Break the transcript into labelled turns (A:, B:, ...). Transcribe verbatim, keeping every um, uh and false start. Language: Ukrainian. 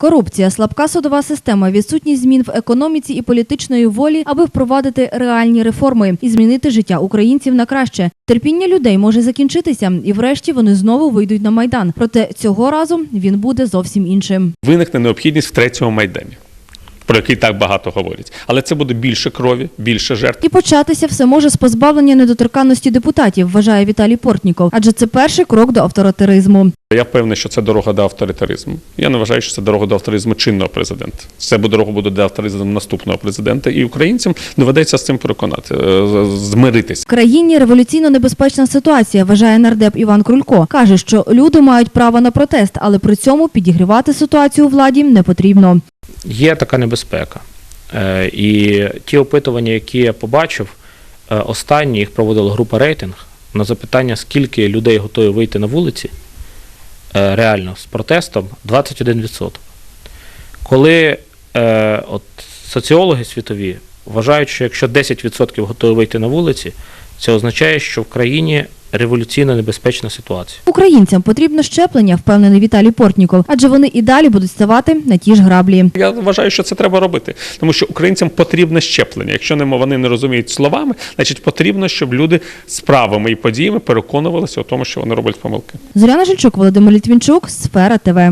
A: Корупція, слабка судова система, відсутність змін в економіці і політичної волі, аби впровадити реальні реформи і змінити життя українців на краще. Терпіння людей може закінчитися, і врешті вони знову вийдуть на Майдан. Проте цього разу він буде зовсім іншим.
B: Виникне необхідність в третьому Майдані, про який так багато говорять. Але це буде більше крові, більше жертв.
A: І початися все може з позбавлення недоторканності депутатів, вважає Віталій Портніков. Адже це перший крок до авторитаризму.
B: Я впевнений, що це дорога до авторитаризму. Я не вважаю, що це дорога до авторитаризму чинного президента. Це дорога буде до авторитаризму наступного президента. І українцям доведеться з цим переконати, змиритися.
A: В країні революційно небезпечна ситуація, вважає нардеп Іван Крулько. Каже, що люди мають право на протест, але при цьому підігрівати ситуацію владі не потрібно.
C: Є така небезпека. І ті опитування, які я побачив, останні їх проводила група «Рейтинг» на запитання, скільки людей готові вийти на вулиці, реально, з протестом, двадцять один відсоток. Коли от, соціологи світові вважають, що якщо десять відсотків готові вийти на вулиці, це означає, що в країні революційно небезпечна ситуація.
A: Українцям потрібно щеплення, впевнений Віталій Портніков, адже вони і далі будуть ставати на ті ж граблі.
B: Я вважаю, що це треба робити, тому що українцям потрібне щеплення. Якщо вони не розуміють словами, значить потрібно, щоб люди справами і подіями переконувалися у тому, що вони роблять помилки.
A: Зоряна Жильчук, Володимир Літвінчук, Сфера ТВ.